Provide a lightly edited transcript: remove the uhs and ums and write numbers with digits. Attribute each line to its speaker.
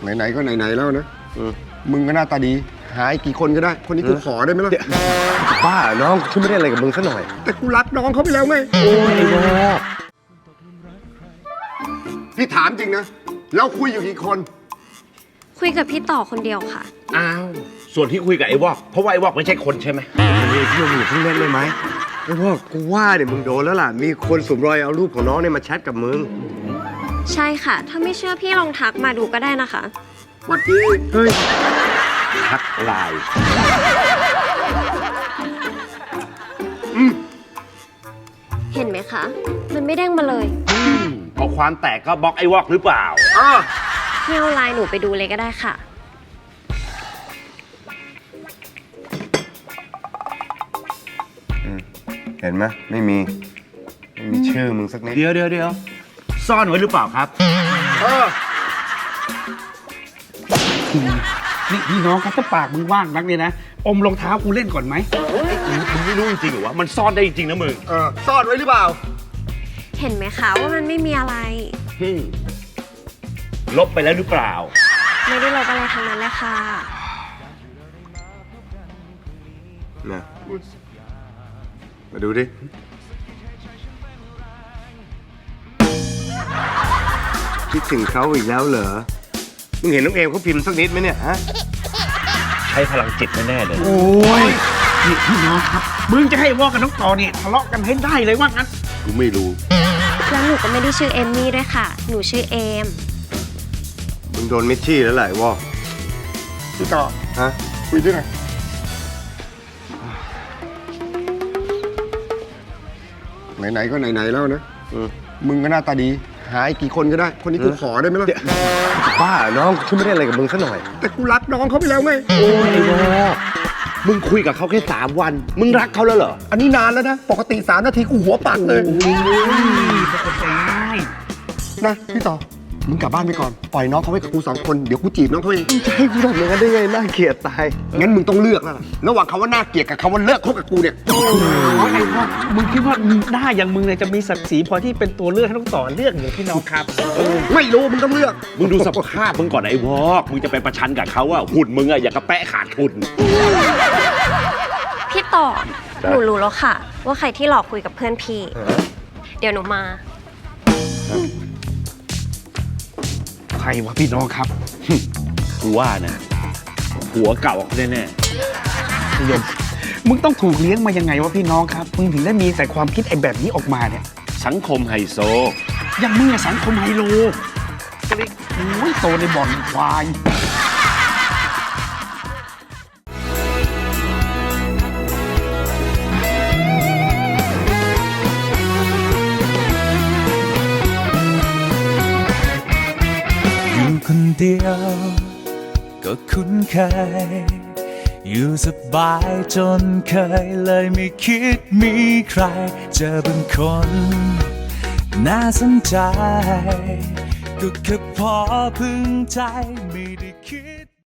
Speaker 1: ไหนๆก็ไหนๆแล้วนะมึงก็หน้าตาดีหายกี่คนก็ได้คนนี้กูขอได้ไหมล่ะ
Speaker 2: บ้าน้องฉันไม่ได้อะไรกับมึงซะหน่อย
Speaker 1: แต่กูรักน้องเขาไปแล้วไง
Speaker 2: โอ้ยไอ้วอก
Speaker 1: พี่ถามจริงนะเราคุยอยู่กี่คน
Speaker 3: คุยกับพี่ต่อคนเดียวค่ะ
Speaker 4: อ้าวส่วนที่คุยกับไอ้วอกเพราะว่าไอ้วอกไม่ใช่คนใช่ไหม
Speaker 2: พี่มึงเพิ่งเล่นเลยไหมไอ้วอกกูว่าเนี่ยมึงโดนแล้วล่ะมีคนสวมรอยเอารูปของน้องเนี่ยมาแชทกับมึง
Speaker 3: ใช่ค่ะถ้าไม่เชื่อพี่ลองทักมาดูก็ได้นะคะ
Speaker 1: วัดดี
Speaker 2: เฮ้ย
Speaker 4: ทักไลน์
Speaker 3: เห็นไหมคะมันไม่เด้งมาเลย
Speaker 4: พอความแตกก็บล็อกไอ้วอกหรือเปล่า
Speaker 3: พี่เอาไลน์หนูไปดูเลยก็ได้ค่ะ
Speaker 2: เห็นไหมไม่มีชื่อมึงสักนิด
Speaker 4: เดี๋ยวซ่อนไว้หรือเปล่าครับ
Speaker 5: นี่พี่น้องครับถ้าปากมึงว่างนักเนี่ยนะอมรองเท้ากูเล่นก่อนไหม
Speaker 4: มึงไม่รู้จริงๆหรือวะมันซ่อนได้จริงๆนะมึง
Speaker 1: ซ่อนไว้หรือเปล่า
Speaker 3: เห็นไหมคะว่ามันไม่มีอะไร
Speaker 4: ลบไปแล้วหรือเปล่า
Speaker 3: ไม่ได้ลบอะไรทั้งนั้นเลยค่ะ
Speaker 2: นะมาดูดิคิดถึงเขาอีกแล้วเหรอมึงเห็นน้องเอมเขาพิมพ์สักนิดไหมเนี่ยฮะ
Speaker 4: ใช้พลังจิตแน่ๆเลย
Speaker 5: โอ้ยนี่พี่น้องครับมึงจะให้วอกกับน้องต่อเนี่ยทะเลาะกันให้ได้เลยว่างั้น
Speaker 1: กูไม่รู้
Speaker 3: แล้วหนูก็ไม่ได้ชื่อเอมมี่ด้วยค่ะหนูชื่อเอม
Speaker 2: มึงโดนมิชชี่แล้วแหละวอก
Speaker 1: พี่ต่อ
Speaker 2: ฮะ
Speaker 1: คุยด้วยหน่อยไหนๆก็ไหนๆแล้วนะมึงก็หน้าตาดีหายกี่คนก็ได้คนนี้กูขอได้ไหมล่ะ
Speaker 2: บ้าน้องฉันไม่ได้อะไรกับมึงซะหน่อย
Speaker 1: แต่กูรักน้องเขาไปแล้วไง
Speaker 4: โอ้ยไอ้วอกมึงคุยกับเขาแค่3 วันมึงรักเขาแล้วเหรอ
Speaker 1: อันนี้นานแล้วนะปกติ3 นาทีกูหัวปักเลย
Speaker 5: ปกติได้
Speaker 1: นะพี่ต่อมึงกลับบ้านไปก่อนปล่อยน้องเขาไว้กับกู2 คนเดี๋ยวกูจีบน้องเขาเอง
Speaker 2: จะให้กูทำอย่างนั้นได้ไงน่าเกลียดตาย
Speaker 1: งั้นมึงต้องเลือกแล้วล่ะระหว่างคำว่าน่าเกลียดกับคำว่าเลิกคบกับกูเนี่ย
Speaker 5: ไอ้วอกมึงคิดว่าหน้าอย่างมึงเนี่ยจะมีศักดิ์ศรีพอที่เป็นตัวเลือกให้ต้องต่อเลือกอย่างพี่น้องครับ
Speaker 1: ไม่รู้มึงต้องเลือก
Speaker 4: มึงดูสภาพมึงก่อนไอ้วอกมึงจะไปประชันกับเขาอะหุ่นมึงอะอย่างกระแปะขาดทุน
Speaker 3: พี่ต่อหนูรู้แล้วค่ะว่าใครที่หลอกคุยกับเพื่อนพี่เดี๋ยวหนูมา
Speaker 5: ใครวะพี่น้องครับ
Speaker 4: กูว่านะหัวเก่าแน่
Speaker 5: ๆยมมึงต้องถูกเลี้ยงมายังไงวะพี่น้องครับมึงถึงได้มีแต่ความคิดไอ้แบบนี้ออกมาเนี่ย
Speaker 4: สังคมไฮโซ
Speaker 5: อย่างมึงอะสังคมไฮโลก็เลยโอ้ยโตในบ่อนควาย
Speaker 6: คนเดียวก็คุ้นเคยอยู่สบายจนเคยเลยไม่คิดมีใครเจอบางคนน่าสนใจก็แค่พอพึงใจไม่ได้